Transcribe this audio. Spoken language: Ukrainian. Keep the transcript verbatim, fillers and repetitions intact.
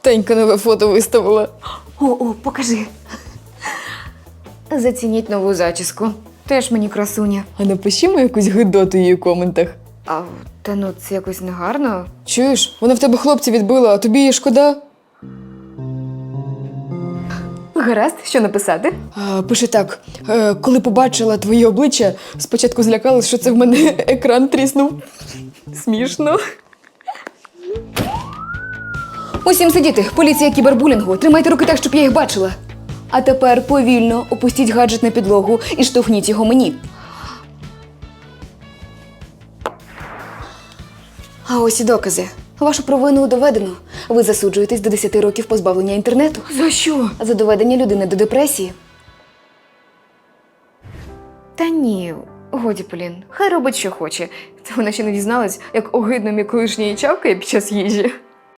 Танька нове фото виставила. О, о, покажи. Зацініть нову зачіску. Теж мені красуня. А напишімо якусь гидоту її у коментах. А, та ну, це якось негарно. Чуєш, вона в тебе хлопця відбила, а тобі її шкода? Гаразд, що написати? А, пише так. Е, коли побачила твоє обличчя, спочатку злякалась, що це в мене екран тріснув. Смішно. Усім сидіти, поліція кібербулінгу. Тримайте руки так, щоб я їх бачила. А тепер повільно опустіть гаджет на підлогу і штовхніть його мені. А ось і докази. Вашу провину доведено. Ви засуджуєтесь до десяти років позбавлення інтернету. За що? За доведення людини до депресії. Та ні, годі, Полін. Хай робить, що хоче. Та вона ще не дізналась, як огидно мій колишній чавкає під час їжі.